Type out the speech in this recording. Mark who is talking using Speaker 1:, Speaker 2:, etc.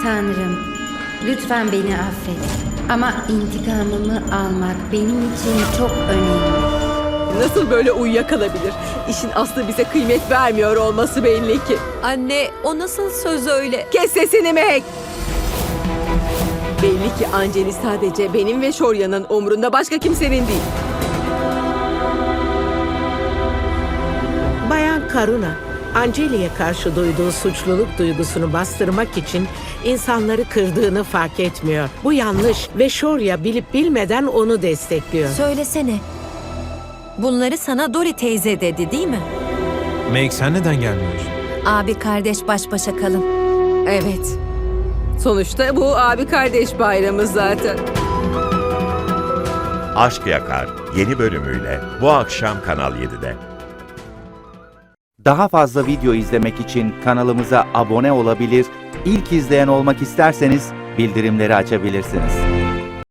Speaker 1: Tanrım, lütfen beni affet. Ama intikamımı almak benim için çok önemli.
Speaker 2: Nasıl böyle uyuyakalabilir? İşin aslı bize kıymet vermiyor olması belli ki.
Speaker 3: Anne, o nasıl söz öyle?
Speaker 2: Kes sesini Meg! Belli ki Anceli sadece benim ve Shorya'nın umrunda, başka kimsenin değil.
Speaker 4: Bayan Karuna, Anceli'ye karşı duyduğu suçluluk duygusunu bastırmak için insanları kırdığını fark etmiyor. Bu yanlış ve Shorya bilip bilmeden onu destekliyor.
Speaker 3: Söylesene. Bunları sana Dori teyze dedi, değil mi?
Speaker 5: Meg, sen neden gelmiyorsun?
Speaker 3: Abi kardeş baş başa kalın.
Speaker 2: Evet. Sonuçta bu abi kardeş bayramı zaten.
Speaker 6: Aşk Yakar yeni bölümüyle bu akşam Kanal 7'de.
Speaker 7: Daha fazla video izlemek için kanalımıza abone olabilir, ilk izleyen olmak isterseniz bildirimleri açabilirsiniz.